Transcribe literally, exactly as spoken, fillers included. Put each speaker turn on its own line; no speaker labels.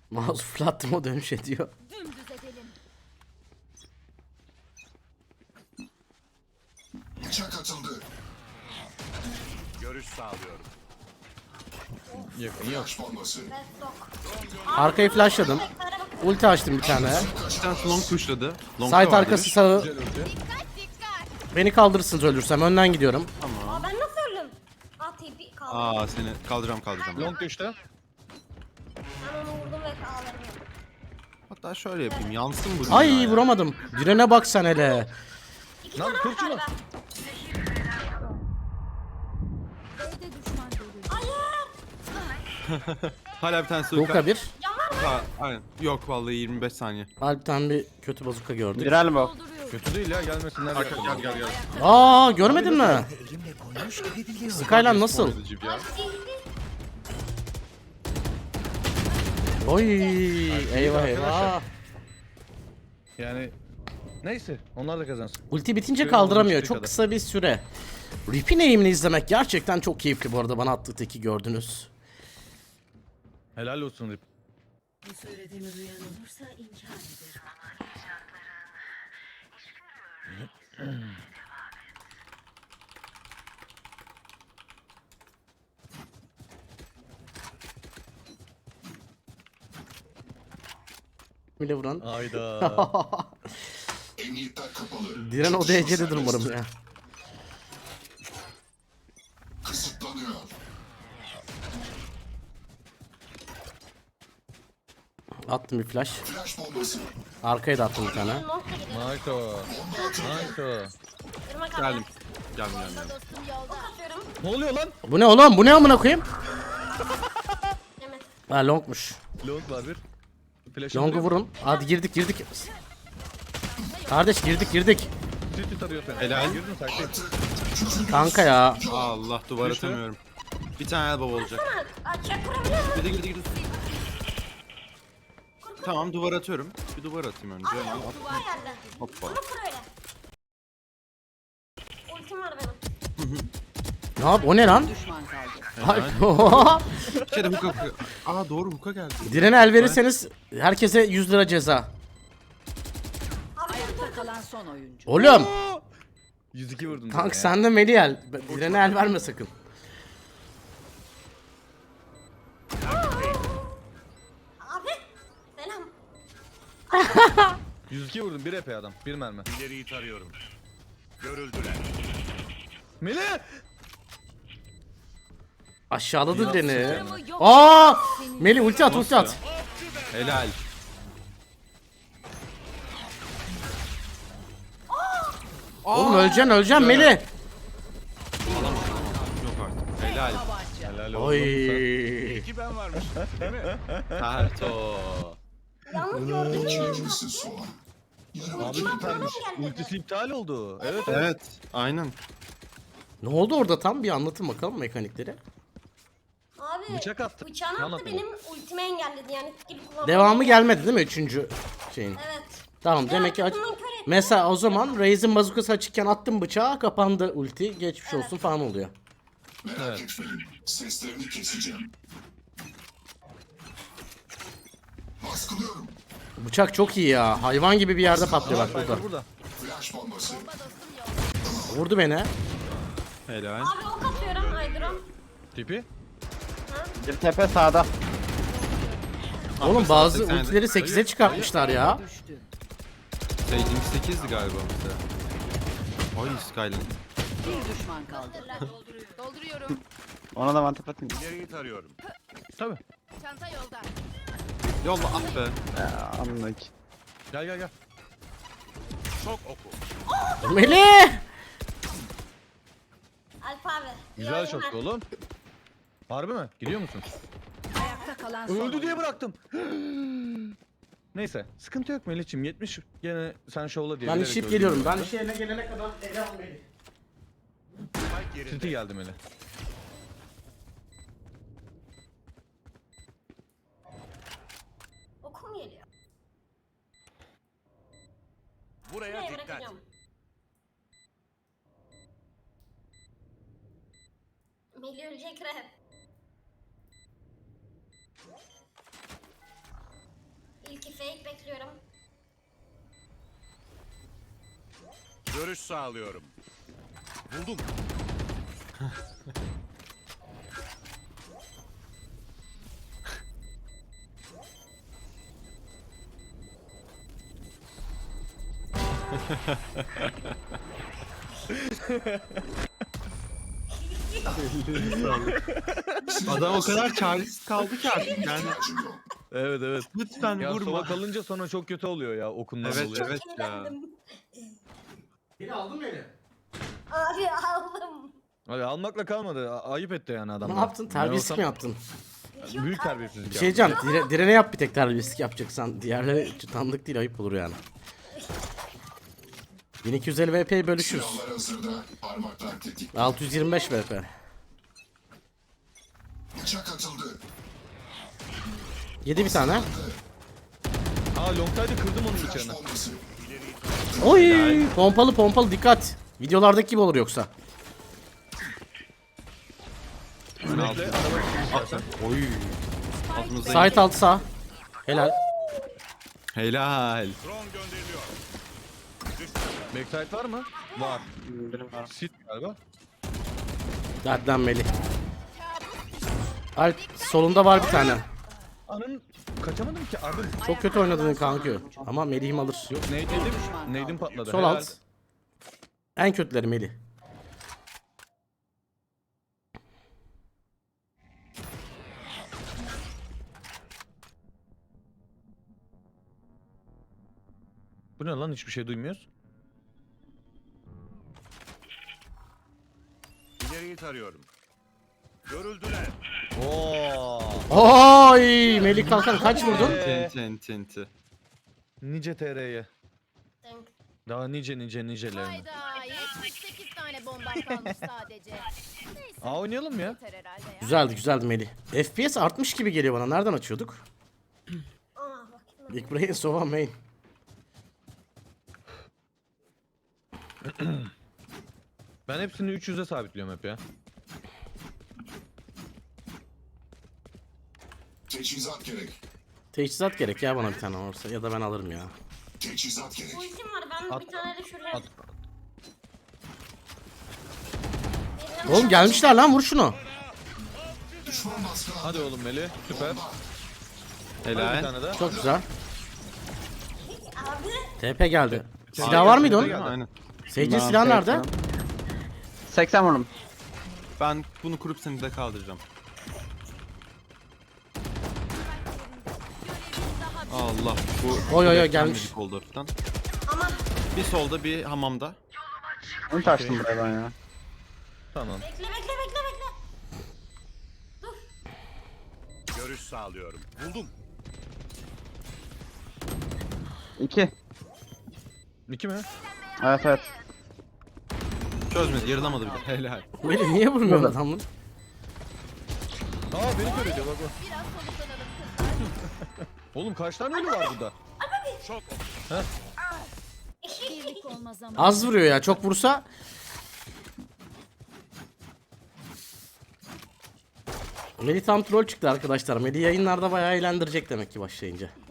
Mouse fırlattım o dönüş ediyor.
Dümdüz edelim.
Bıçak atıldı.
Görüş sağlıyorum.
Yakın yok.
Flash bombası.
Arkayı flashladım. Ulti açtım bir tane.
Bir tanesi long pushladı. Long
Site arkası sağı.
Güzel ulti.
Dikkat dikkat.
Beni kaldırırsınız ölürsem. Önden gidiyorum.
Aa ben nasıl öldüm? Aa T P kaldı.
Aa seni kaldıracağım kaldıracağım.
Long düştü.
Ben onu vurdum ve kaldırdım.
Hatta şöyle yapayım yansın bu.
Ay
dünya ya.
vuramadım. Direne bak sen hele.
İki
Lan
tane var
kır şunu.
galiba.
B'de düşman görüldü.
Hayır.
Hala bir tanesi
Luka
uyka.
bir.
Ha, aynen. Yok vallahi yirmi beş saniye.
Alp'ten bir kötü bazuka gördük.
Viral mi?
Dolduruyorum.
Kötü değil ya, gelmesinler.
Arka
diye.
gel gel gel.
Aa görmedin mi? Skyline nasıl?
Spoiler'cı ya.
Oy eyvah eyvah.
Yani neyse, onlar da kazansın.
Ulti bitince
Şöyle
kaldıramıyor.
olmuş
Çok
kadar.
kısa bir süre. Rip'in eğimini izlemek gerçekten çok keyifli bu arada. Bana attığı teki gördünüz.
Helal olsun Rip.
Bu söylediğimi duyan olursa inkar ederim.
Bile vuran.
Ayda.
Emniyetler kapalı.
Diren o
Çatışma
derecededir umarım
serbest.
ya.
Kısıtlanıyor.
Attım bir flash.
Flash bombası.
Arkaya da attım bir tane.
Nokta gidiyor.
Nice o. Nice o.
Irmak abi.
Geldim. Geldim geldim. geldim.
Dostum yolda.
Atıyorum.
Ne oluyor lan?
Bu ne oğlum? Bu ne amına koyayım?
Evet.
Ha longmuş.
Long var bir. Flash
Long'u vurun. Hadi girdik girdik. Kardeş girdik girdik.
City tarıyor seni.
Helal.
Girdin taktik.
Kanka ya.
Allah duvar
Düştü.
atamıyorum. Bir tane elbow olacak.
Aa çek kurabiliyor musun?
Girdi girdi girdi. Tamam duvar atıyorum. Bir duvar atayım önce. Hemen at.
Duvar geldi.
Hoppa.
Bunu kur öyle. Ultim var benim.
Ne yap? O ne lan?
Düşman kaldı.
Ay,
Bir kere hook'a hook'a. Aa doğru hook'a geldi.
Direne el verirseniz herkese yüz lira ceza.
Ayakta kalan son oyuncu.
Oğlum.
yüz iki vurdum.
Kanka
sana ya.
sen de Melih el. Direne el verme sakın.
Abi. Selam.
yüz iki vurdum. Bir epey adam. Bir mermi.
İleriyi tarıyorum. Görüldüler.
Melih!
Aşağıladı direni.
Sınırımı yok.
Aa! Melih ulti at ulti at.
Helal.
Oğlum öleceksin öleceksin Melih.
Yok artık. Helal.
Helal olsun.
Oy.
İki ben varmış. Değil mi?
Terto.
Yalnız gördüm.
İçilebilirsin soğan. Yarım
Abi süpermiş. Ultisi iptal oldu. Evet evet.
Evet. Aynen.
Ne oldu orada tam bir anlatın bakalım mekanikleri.
Abi.
Bıçak attı.
Bıçağını
Ne
attı
anlatıyor?
benim ultimi engelledi yani. Gibi kullanmam.
Devamı gelmedi değil mi üçüncü şeyin?
Evet.
Tamam demek ki aç...
Arkasından kör etti.
Mesela o zaman Raze'in bazukası açıkken attım bıçağı kapandı ulti geçmiş olsun falan oluyor.
merak
Evet.
etmeyin. Seslerini keseceğim. Baskılıyorum.
Bıçak çok iyi ya hayvan gibi bir yerde patlıyor bak burada.
Cypher burada.
Flash bombası.
Vurdu beni.
Helal.
Abi ok atıyorum. Aydırım.
Tipi.
Bir tepe sağda.
Oğlum bazı
seksen yedi.
ultileri sekize çıkartmışlar ya.
Düştü.
yirmi sekizdi galiba mesela. Ay Skyline.
Bir düşman kaldı.
Dolduruyorum.
Ona da mantep atayım.
İleriyi tarıyorum.
Tabii.
Çanta yolda.
Yolla ah be.
Ya anlık.
Gel gel gel.
Çok oku.
Melih!
Alfa abi.
Güzel
Yayın
şoktu
ver.
oğlum. Harbi mi? Gidiyor musun?
Ayakta kalan son
Öldü
oyuncu.
diye bıraktım. Neyse. Sıkıntı yok Melih'ciğim. yetmiş gene sen şovla diye.
Ben
bilerek
ship
öldün
geliyorum.
bu
Ben
arada.
şeyine gelene kadar ele al Melih.
Spike yerinde.
City geldi Melih.
Okum geliyor.
Buraya
Nereye
dikkat.
bırakacağım? Melih ölecek rap. Fake bekliyorum.
Görüş sağlıyorum. Buldum.
Adam o kadar çaresiz kaldı ki artık yani.
İhtiyacım yok.
Evet evet.
Lütfen
Ya
vurma.
sola kalınca sonra çok kötü oluyor ya okundan
Evet
dolayı.
evet ya.
Eğlendim.
Beni aldın beni.
Abi aldım.
Hadi almakla kalmadı. A- ayıp etti yani adam.
Ne yaptın? Terbiyesizlik mi yaptın?
Büyük terbiyesizlik
Bir şey
yaptı.
diyeceğim. Dire, direne yap bir tek terbiyesizlik yapacaksan. Diğerleri tanıdık değil, ayıp olur yani. bin iki yüz elli V P'yi bölüşürüz.
Silahlar hazırda. Parmaklar tetik.
altı yüz yirmi beş V P.
Bıçak atıldı.
Yedi bir tane.
Aa Longside'ı kırdım onun
Flash
bıçağını.
bombası.
Oy! Pompalı pompalı dikkat. Videolardaki gibi olur yoksa.
Bekle araba istersen.
Oy. Altımızda
Site altı sağ. Helal.
helal.
Drone gönderiliyor.
Backside var mı? Var.
Benim var.
Sit galiba.
Dertten Melih. Alp solunda var bir tane.
Anın kaçamadım ki abim.
Çok kötü oynadın kanka. Ama Melih'im alır. Yok.
Neydim? Neydim patladı.
Sol
Helal.
alt. En kötüleri Melih.
Bu ne lan, hiçbir şey duymuyoruz.
İleriyi tarıyorum. Görüldüler.
Oo.
Oy! Melih Kalkan kaç vurdun?
Tenti enti enti.
Nice T R'ye.
Denk.
Daha nice nice nicelerine.
Hayda yetmiş sekiz tane bombam kalmış sadece. Neyse
Aa oynayalım ya.
yeter herhalde ya.
Güzeldi güzeldi Melih. F P S artmış gibi geliyor bana. Nereden açıyorduk?
Aa bakayım.
Big Brain Sova Main.
Ben hepsini üç yüze sabitliyorum hep ya.
Teçhizat gerek.
Teçhizat gerek ya bana bir tane olursa. Ya da ben alırım ya.
Teçhizat gerek.
Ultim var ben
At.
bir tane de şuraya.
At.
Birine-
Oğlum gelmişler lan, vur şunu.
Düşman baskılandı.
Hadi oğlum Melih. Süper.
Bomba.
Hadi bir
Helal.
tane daha.
Çok güzel.
Abi
T P geldi. Silah var mıydı onun?
Aynen.
Sage'in
Ben
silahı nerede?
seksen vurdum.
Ben bunu kurup seni de kaldıracağım. Allah bu
Oy, oy, oy,
beklenmedik
gelmiş.
oldu hafiften.
ama
Bir solda bir hamamda.
Onu taştım buraya ben ya.
Tamam.
bekle bekle bekle bekle.
Görüş sağlıyorum. Buldum.
İki.
İki mi?
Evet evet.
Çözmedi, yarılamadı bile. Helal.
Melih niye vurmuyorsun adamı?
Aa beni kör ediyor bak bak.
Biraz soluklanalım kızlar.
Oğlum kaç tane ölü var burada?
Çok oku.
Birlik olma zamanı.
Az vuruyor ya, çok vursa. Melih tam troll çıktı arkadaşlar. Melih yayınlarda bayağı eğlendirecek demek ki başlayınca.